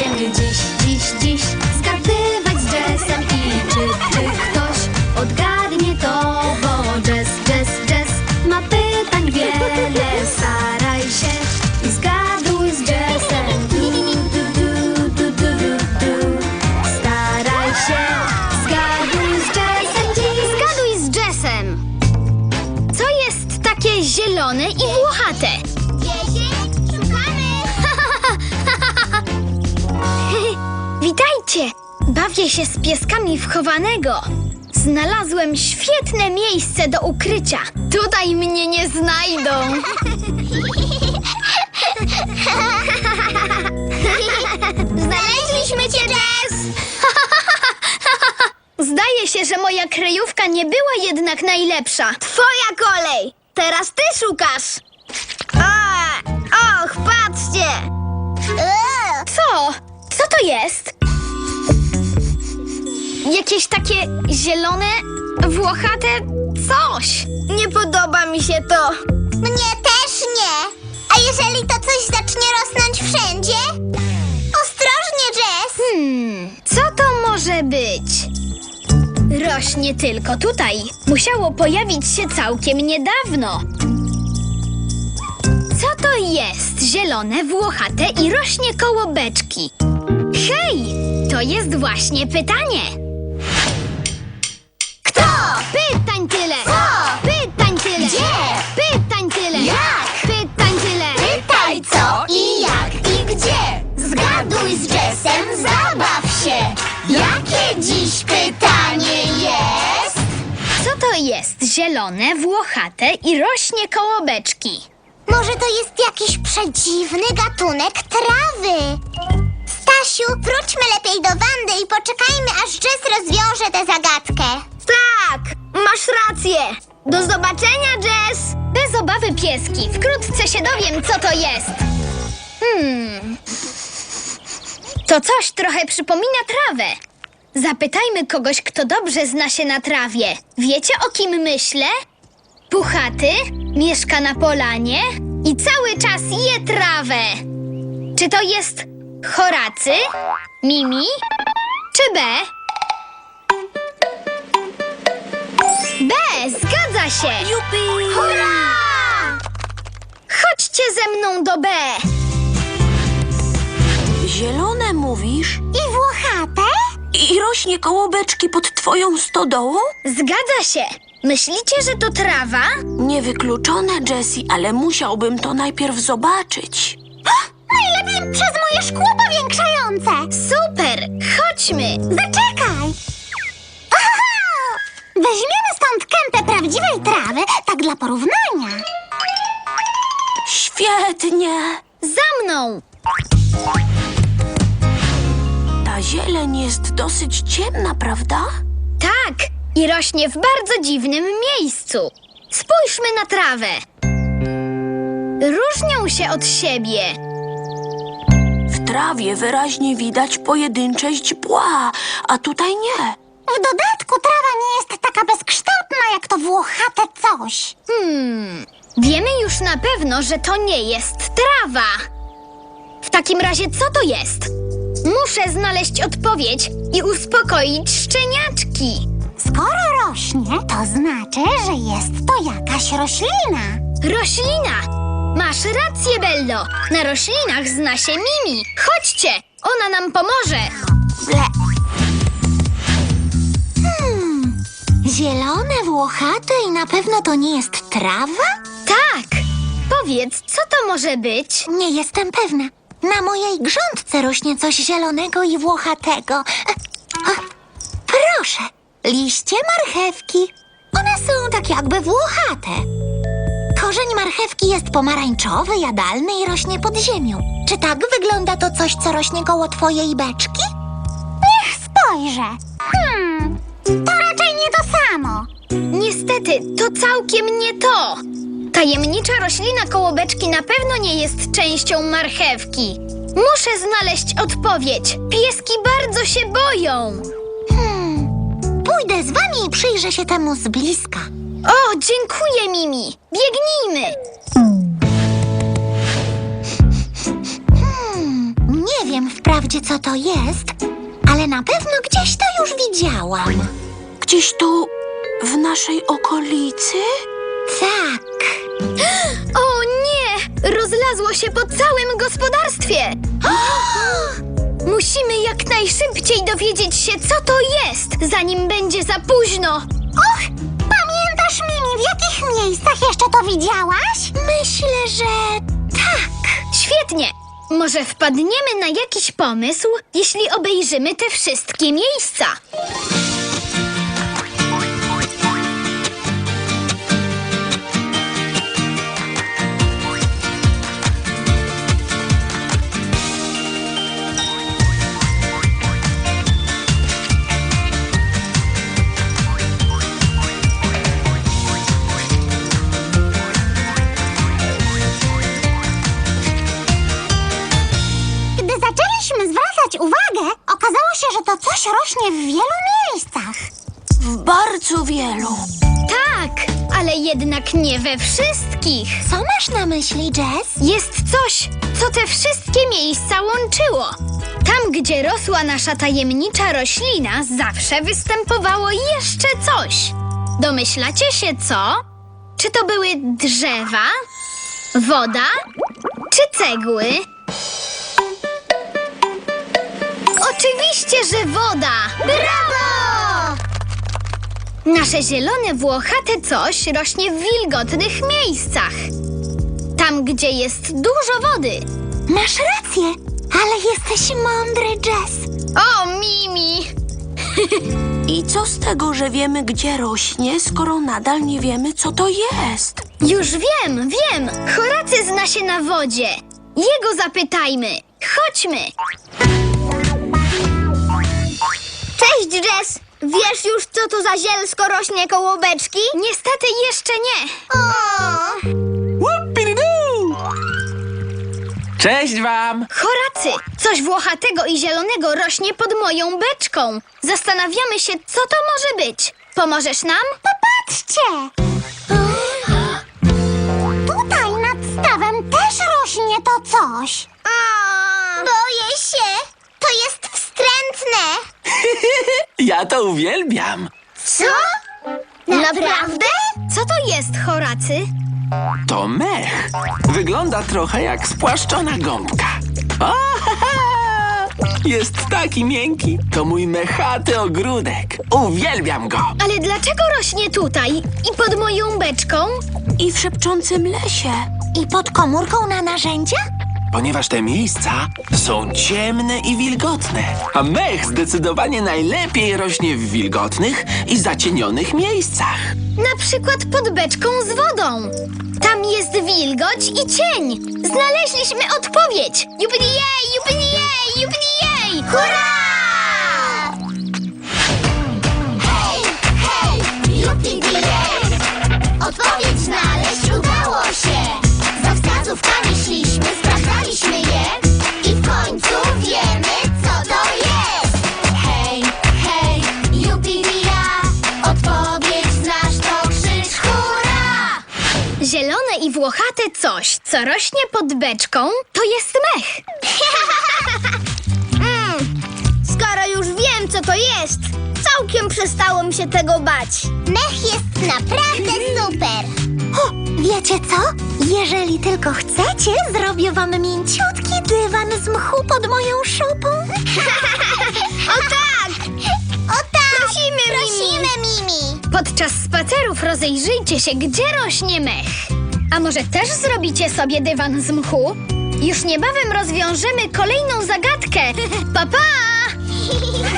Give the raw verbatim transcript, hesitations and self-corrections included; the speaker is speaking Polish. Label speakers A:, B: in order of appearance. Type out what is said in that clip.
A: Będziemy dziś, dziś, dziś zgadywać z Jazzem. I czy, czy ktoś odgadnie to? Bo Jazz, Jazz, Jazz ma pytań wiele. Staraj się i zgaduj z Jazzem. Du, du, du, du, du, du, du. Staraj się, zgaduj z Jazzem dziś.
B: Zgaduj z Jazzem. Co jest takie zielone i włochate?
C: Dziesięć, szukamy!
B: Witajcie! Bawię się z pieskami w chowanego. Znalazłem świetne miejsce do ukrycia. Tutaj mnie nie znajdą.
C: Znaleźliśmy cię, Jazz!
B: Zdaje się, że moja kryjówka nie była jednak najlepsza.
C: Twoja kolej! Teraz ty szukasz! A, och, patrzcie! Eee,
B: Co? Co to jest? Jakieś takie zielone, włochate coś.
C: nie podoba mi się to. Mnie też nie. A jeżeli to coś zacznie rosnąć wszędzie? Ostrożnie, Jazz!
B: Hmm, co to może być? Rośnie tylko tutaj. Musiało pojawić się całkiem niedawno. Co to jest zielone, włochate i rośnie koło beczki? Hej, to jest właśnie pytanie.
C: Kto?
B: Pytań tyle!
C: Co?
B: Pytań tyle!
C: Gdzie?
B: Pytań tyle!
C: Jak?
B: Pytań tyle!
C: Pytaj co i jak i gdzie. Zgaduj z Jazzem, zabaw się. Jakie dziś pytanie jest?
B: Co to jest zielone, włochate i rośnie koło beczki?
C: Może to jest jakiś przedziwny gatunek trawy? Stasiu, wróćmy lepiej do Wandy i poczekajmy, aż Jazz rozwiąże tę zagadkę. Tak, masz rację. Do zobaczenia, Jazz.
B: Bez obawy, pieski. Wkrótce się dowiem, co to jest. Hmm. To coś trochę przypomina trawę. Zapytajmy kogoś, kto dobrze zna się na trawie. Wiecie, o kim myślę? Puchaty, mieszka na polanie i cały czas je trawę. Czy to jest Horacy, Mimi czy B? B, zgadza się!
C: Jupi! Hurra!
B: Chodźcie ze mną do B.
D: Zielone mówisz?
C: I włochate?
D: I rośnie koło beczki pod twoją stodołą?
B: Zgadza się. Myślicie, że to trawa?
D: Niewykluczone, Jessie, ale musiałbym to najpierw zobaczyć.
C: Najlepiej przez moje szkło powiększające.
B: Super, chodźmy.
C: Zaczekaj! Aha! Weźmiemy stąd kępę prawdziwej trawy, tak dla porównania.
D: Świetnie!
B: Za mną.
D: Ta zieleń jest dosyć ciemna, prawda?
B: Tak, i rośnie w bardzo dziwnym miejscu. Spójrzmy na trawę. Różnią się od siebie.
D: W trawie wyraźnie widać pojedyncze źdźbła, a tutaj nie.
C: W dodatku trawa nie jest taka bezkształtna jak to włochate coś.
B: Hmm, wiemy już na pewno, że to nie jest trawa. W takim razie co to jest? Muszę znaleźć odpowiedź i uspokoić szczeniaczki.
C: Skoro rośnie, to znaczy, że jest to jakaś roślina.
B: Roślina! Masz rację, Bello. Na roślinach zna się Mimi. Chodźcie, ona nam pomoże.
C: Ble. Hmm, zielone, włochate i na pewno to nie jest trawa?
B: Tak, powiedz, co to może być?
C: Nie jestem pewna. Na mojej grządce rośnie coś zielonego i włochatego. E, o, proszę, liście marchewki. One są tak jakby włochate. Korzeń marchewki jest pomarańczowy, jadalny i rośnie pod ziemią. Czy tak wygląda to coś, co rośnie koło twojej beczki? Niech spojrzę. Hmm, to raczej nie to samo.
B: Niestety, to całkiem nie to. Tajemnicza roślina koło beczki na pewno nie jest częścią marchewki. Muszę znaleźć odpowiedź. Pieski bardzo się boją.
C: Hmm, pójdę z wami i przyjrzę się temu z bliska.
B: O, dziękuję, Mimi. Biegnijmy.
C: Hmm, nie wiem wprawdzie. wprawdzie, co to jest, ale na pewno gdzieś to już widziałam.
D: Gdzieś tu, w naszej okolicy?
C: Tak.
B: O nie! Rozlazło się po całym gospodarstwie! Musimy jak najszybciej dowiedzieć się, co to jest, zanim będzie za późno!
C: Och, pamiętasz, Mimi, w jakich miejscach jeszcze to widziałaś? Myślę, że tak.
B: Świetnie! Może wpadniemy na jakiś pomysł, jeśli obejrzymy te wszystkie miejsca.
C: Gdy zaczęliśmy zwracać uwagę, okazało się, że to coś rośnie w wielu miejscach.
D: W bardzo wielu.
B: Tak, ale jednak nie we wszystkich.
C: Co masz na myśli, Jess?
B: Jest coś, co te wszystkie miejsca łączyło. Tam, gdzie rosła nasza tajemnicza roślina, zawsze występowało jeszcze coś. Domyślacie się co? Czy to były drzewa, woda czy cegły? Oczywiście, że woda! Brawo! Nasze zielone, włochate coś rośnie w wilgotnych miejscach. Tam, gdzie jest dużo wody.
C: Masz rację, ale jesteś mądry, Jess.
B: O, Mimi!
D: I co z tego, że wiemy, gdzie rośnie, skoro nadal nie wiemy, co to jest?
B: Już wiem, wiem! Horacy zna się na wodzie. Jego zapytajmy. Chodźmy! Cześć, Jess! Wiesz już, co to za zielsko rośnie koło beczki? Niestety jeszcze nie.
E: Cześć wam!
B: Horacy, coś włochatego i zielonego rośnie pod moją beczką. Zastanawiamy się, co to może być. Pomożesz nam?
C: Popatrzcie! Tutaj nad stawem też rośnie to coś. Boję się. To jest wstrętne.
E: Ja to uwielbiam!
C: Co? Naprawdę?
B: Co to jest, Horacy?
E: To mech. Wygląda trochę jak spłaszczona gąbka. O, ha, ha! Jest taki miękki. To mój mechaty ogródek. Uwielbiam go.
B: Ale dlaczego rośnie tutaj i pod moją beczką?
D: I w szepczącym lesie.
C: I pod komórką na narzędzia?
E: Ponieważ te miejsca są ciemne i wilgotne. A mech zdecydowanie najlepiej rośnie w wilgotnych i zacienionych miejscach.
B: Na przykład pod beczką z wodą. Tam jest wilgoć i cień. Znaleźliśmy odpowiedź. Jubilijej, jubilijej, jubilijej! Hurra!
C: Hej, hej, jupi-di-jej! Odpowiedź znaleźć udało się! Za wskazówkami szliśmy, sprawdzaliśmy je i w końcu wiemy, co to jest! Hej, hej, jupi-di-ja! Odpowiedź znasz, to krzycz hurra!
B: Zielone i włochate coś, co rośnie pod beczką, to jest mech. mm, skoro już wiem, co to jest, całkiem przestało mi się tego bać.
C: Mech jest naprawdę super! O, wiecie co? Jeżeli tylko chcecie, zrobię wam mięciutki dywan z mchu pod moją szopą.
B: O tak!
C: O tak!
B: Prosimy, Mimi!
C: Prosimy, Mimi!
B: Podczas spacerów rozejrzyjcie się, gdzie rośnie mech. A może też zrobicie sobie dywan z mchu? Już niebawem rozwiążemy kolejną zagadkę. Pa, pa!